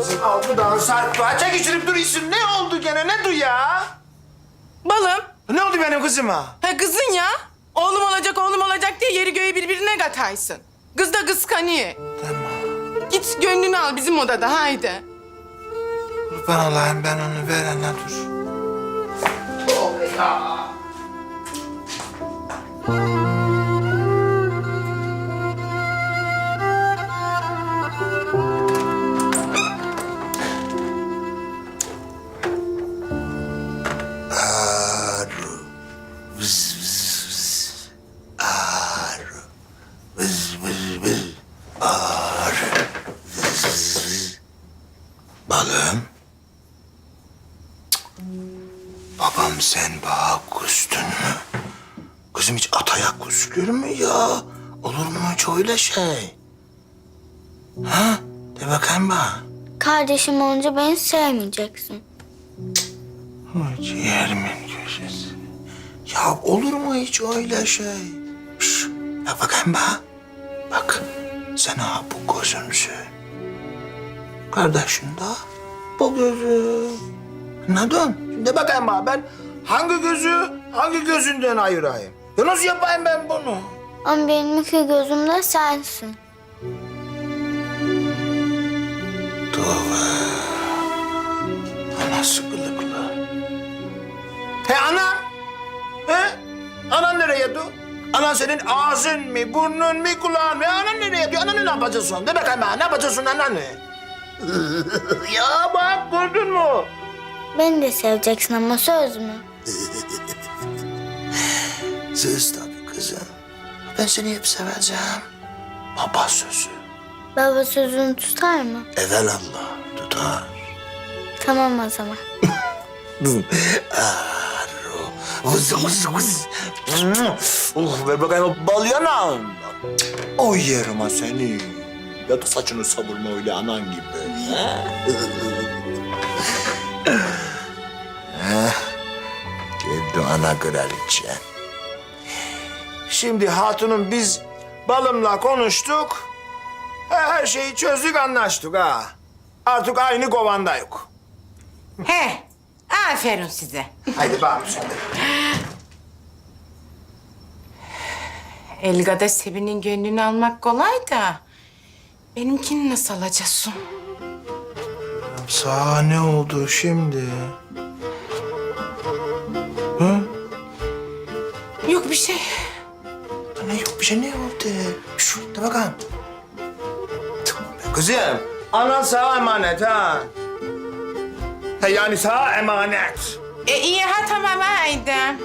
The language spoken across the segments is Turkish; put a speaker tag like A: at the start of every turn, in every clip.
A: Kızım altıdan saat kaça geçirip duruyorsun? Ne oldu gene? Ne du ya?
B: Balım.
A: Ne oldu benim kızıma?
B: Ha kızın ya. Oğlum olacak diye yeri göğü birbirine kataysın. Kız da kıskanıyor.
A: Tamam.
B: Git gönlünü al bizim odada haydi.
A: Kurban olayım ben onu ver anne dur. Balım. Babam sen bana kustun mu? Kızım hiç ataya kusulur mu ya? Olur mu hiç öyle şey? Ha? De bakayım bana.
C: Kardeşim olunca beni sevmeyeceksin.
A: Ciğerimin köşesi. Ya olur mu hiç öyle şey? Şş, bak bakayım bana. Bak sen ha bu gözümsün. Kardeşin de bu gözü. Anladın? Şimdi bakayım bana ben hangi gözünden ayırayım? Ya nasıl yapayım ben bunu?
C: Ama benim iki gözüm de sensin.
A: Tövbe. Anası kılıklı. He ana? He? Anan nereye dur? Anan senin ağzın mı, burnun mu, kulağın mı? Anan nereye dur? Ananı ne yapacaksın? De bakayım bana, ne yapacaksın ananı? Ya bak gördün mü?
C: Beni de seveceksin ama söz mü?
A: Söz tabii kızım. Ben seni hep seveceğim. Baba sözü.
C: Baba sözünü tutar mı?
A: Evelallah tutar.
C: Tamam o zaman.
A: Vız vız vız. Ver bakayım o bal yanağım. O yerim ha seni. Ya da saçını savurma öyle anan gibi. Geldi ana kraliçe. Şimdi hatunum biz balımla konuştuk. Her şeyi çözdük anlaştık ha. Artık aynı kovandayız.
D: He, aferin size.
A: Haydi bakalım sen de.
B: Elga'da Sebi'nin gönlünü almak kolay da... benimkini nasıl alacaksın?
A: Sana ne oldu şimdi? Hı?
B: Yok bir şey.
A: Ne yok bir şey ne oldu? Şu de bakalım. Kızım, anan sana emanet ha. Ha yani sana emanet.
B: İyi ha tamam haydi. Haydi.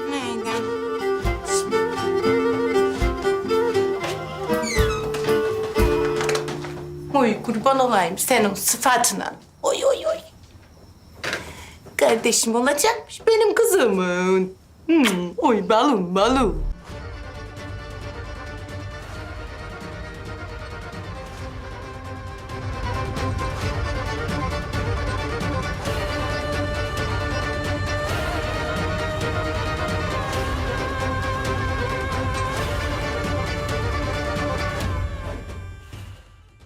B: Oy kurban olayım senin sıfatına. Oy oy oy. Kardeşim olacakmış benim kızımın. Oy balım balım.